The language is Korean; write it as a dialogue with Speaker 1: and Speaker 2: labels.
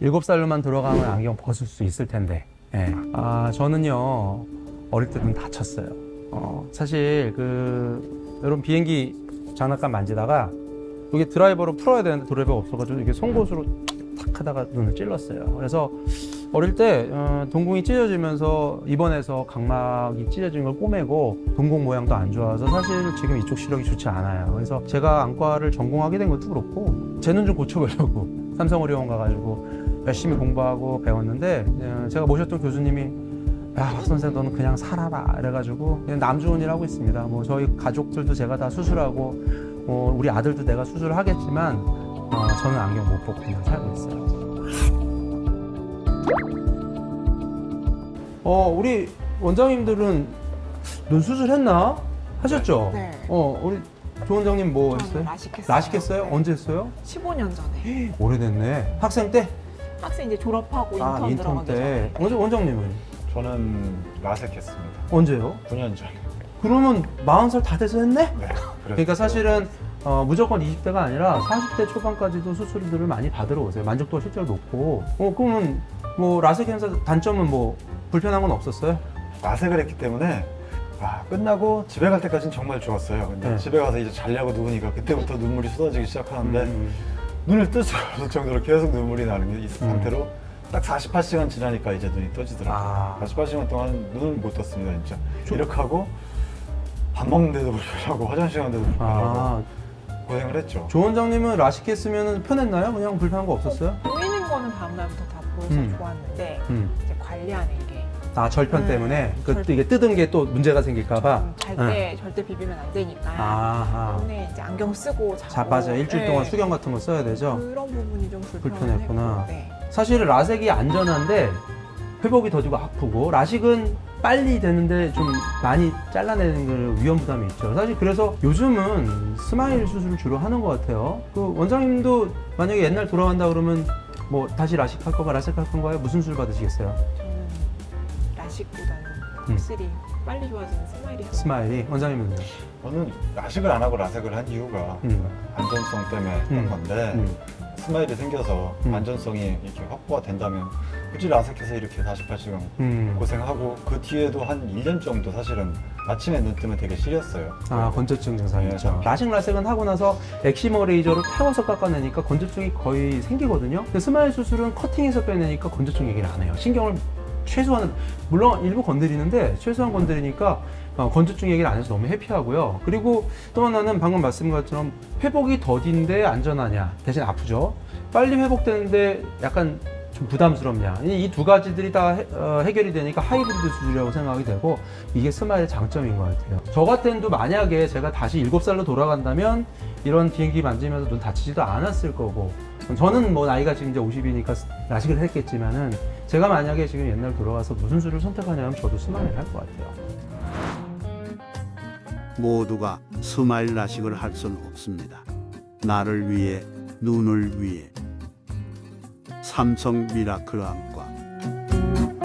Speaker 1: 7살로만 들어가면 안경 벗을 수 있을 텐데. 예. 저는요, 어릴 때 눈 다쳤어요. 사실 이런 비행기 장난감 만지다가 이게 드라이버로 풀어야 되는데 드라이버가 없어가지고 이게 송곳으로 탁 하다가 눈을 찔렀어요. 그래서 어릴 때 동공이 찢어지면서 입원해서 각막이 찢어진 걸 꼬매고 동공 모양도 안 좋아서 사실 지금 이쪽 시력이 좋지 않아요. 그래서 제가 안과를 전공하게 된 것도 그렇고 제 눈 좀 고쳐보려고 삼성의료원 가가지고 열심히 공부하고 배웠는데 제가 모셨던 교수님이 야, 박 선생 너는 그냥 살아라 이래가지고 그냥 남주원이라고 있습니다. 뭐 저희 가족들도 제가 다 수술하고 우리 아들도 내가 수술하겠지만 저는 안경 못 벗고 그냥 살고 있어요. 우리 원장님들은 눈 수술했나? 하셨죠?
Speaker 2: 네.
Speaker 1: 우리 조 원장님 뭐
Speaker 2: 저는
Speaker 1: 했어요?
Speaker 2: 라식했어요.
Speaker 1: 라식했어요?
Speaker 2: 네.
Speaker 1: 언제 했어요?
Speaker 2: 15년 전에.
Speaker 1: 오래됐네. 학생 때?
Speaker 2: 학생 이제 졸업하고 인턴
Speaker 1: 인턴
Speaker 2: 들어가기
Speaker 1: 때.
Speaker 2: 전에.
Speaker 1: 원장님은?
Speaker 3: 저는 라섹했습니다.
Speaker 1: 언제요?
Speaker 3: 9년 전에.
Speaker 1: 그러면 40살 다 돼서 했네?
Speaker 3: 네.
Speaker 1: 그러니까 사실은 무조건 20대가 아니라 40대 초반까지도 수술들을 많이 받으러 오세요. 만족도가 실제로 높고. 그러면 뭐 라섹検査 단점은 뭐 불편한 건 없었어요?
Speaker 3: 라섹을 했기 때문에 끝나고 집에 갈 때까지는 정말 좋았어요. 근데
Speaker 1: 네.
Speaker 3: 집에 가서 이제 자려고 누우니까 그때부터 눈물이 쏟아지기 시작하는데
Speaker 1: 음.
Speaker 3: 눈을 뜰 수가 없을 정도로 계속 눈물이 나는 게 이 상태로 딱 48시간 지나니까 이제 눈이 떠지더라고요. 48시간 동안 눈을 못 떴습니다, 진짜. 이렇게 하고 밥 먹는데도 불편하고 화장실 가는데도 불편하고 고생을 했죠.
Speaker 1: 조 원장님은 라식 했으면 편했나요? 그냥 불편한 거 없었어요?
Speaker 2: 보이는 거는 다음 날부터 다 보여서 좋았는데 이제 관리하는 게
Speaker 1: 절편 때문에
Speaker 2: 절편.
Speaker 1: 이게 뜯은 게 또 문제가 생길까봐.
Speaker 2: 잘 때 절대 비비면 안 되니까. 때문에 이제 안경 쓰고 자고.
Speaker 1: 맞아. 일주일 동안 수경 같은 거 써야 되죠.
Speaker 2: 그런 부분이 좀
Speaker 1: 불편했구나.
Speaker 2: 네.
Speaker 1: 사실은 라섹이 안전한데 회복이 더디고 아프고 라식은 빨리 되는데 좀 많이 잘라내는 그 위험 부담이 있죠. 사실 그래서 요즘은 스마일 수술을 주로 하는 것 같아요. 그 원장님도 만약에 옛날 돌아간다 그러면 뭐 다시 라식 할 거가 라섹 할 건가요? 무슨 수술 받으시겠어요?
Speaker 2: 저는 라식보다는 확실히 빨리 좋아지는 스마일이
Speaker 1: 스마일이. 원장님은요?
Speaker 3: 저는 라식을 안 하고 라섹을 한 이유가 안전성 때문에 했던 건데 스마일이 생겨서 안전성이 이렇게 확보가 된다면 굳이 라섹해서 이렇게 48시간 고생하고 그 뒤에도 한 1년 정도 사실은 아침에 눈 뜨면 되게 시렸어요.
Speaker 1: 건조증 증상이
Speaker 3: 네,
Speaker 1: 있죠. 라식 라섹은 하고 나서 엑시머 레이저로 태워서 깎아내니까 건조증이 거의 생기거든요. 근데 스마일 수술은 커팅해서 빼내니까 건조증 얘기를 안 해요. 신경을 최소한, 물론 일부 건드리는데 최소한 건드리니까 건조증 얘기를 안 해서 너무 해피하고요. 그리고 또 하나는 방금 말씀드린 것처럼 회복이 더딘데 안전하냐, 대신 아프죠. 빨리 회복되는데 약간 좀 부담스럽냐, 이 두 가지들이 다 해결이 되니까 하이브리드 수술이라고 생각이 되고 이게 스마일의 장점인 것 같아요. 저 같은 도 만약에 제가 다시 7살로 돌아간다면 이런 비행기 만지면서 눈 다치지도 않았을 거고, 저는 뭐 나이가 지금 이제 50이니까 라식을 했겠지만은 제가 만약에 지금 옛날 돌아가서 무슨 수를 선택하냐면 저도 스마일 할 것 같아요.
Speaker 4: 모두가 스마일 라식을 할 수는 없습니다. 나를 위해, 눈을 위해. 삼성 미라클 안과